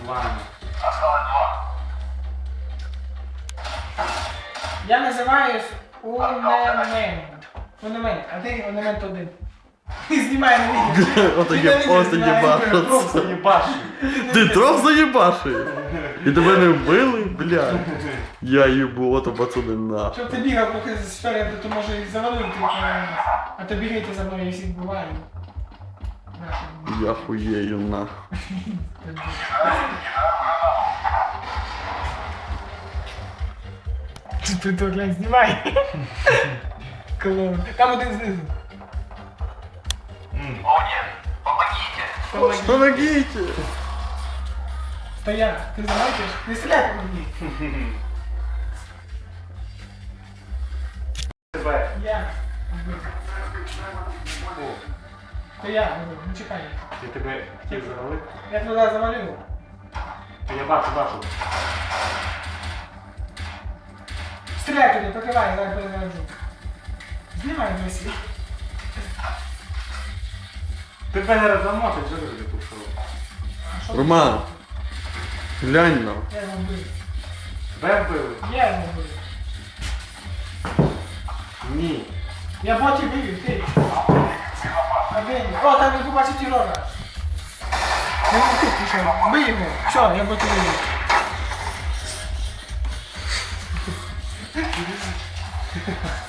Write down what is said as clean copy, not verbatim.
Ладно. Я називаюсь Унемент. Унемент, а ти Унемент один. Знімай на відео. Ото єбашиться. Просто їбашу. Ти трох заєбашив? І тебе не вбили, блядь. Я їбу, ото пацани нахуй. Щоб ти бігав поки спереду, то може і завалив ти. А то бігайте за мною і всіх буває. Я хуєю нахуй. Ти то глянь, знімай. Клоун. Там один знизу. Помоги. Помогите! Стоять, ти замовчиш? Не стріляй по мені. Тебе. Я. То я, не чекай. Я тебе хотів завалити. Я туди завалив. Я бачу. Стріляй туди, покривай, зараз перезаряджу. Знімай весь. Тебе не розламати, що ти туди пішов? Роман, глянь нам. Я його вбив. Тебе вбили? Я його вбив. Ні. Я ботів вивів, ти. Один. О, там я побачив терора. Він тут пішов. Бий його. Все, я ботів вивів.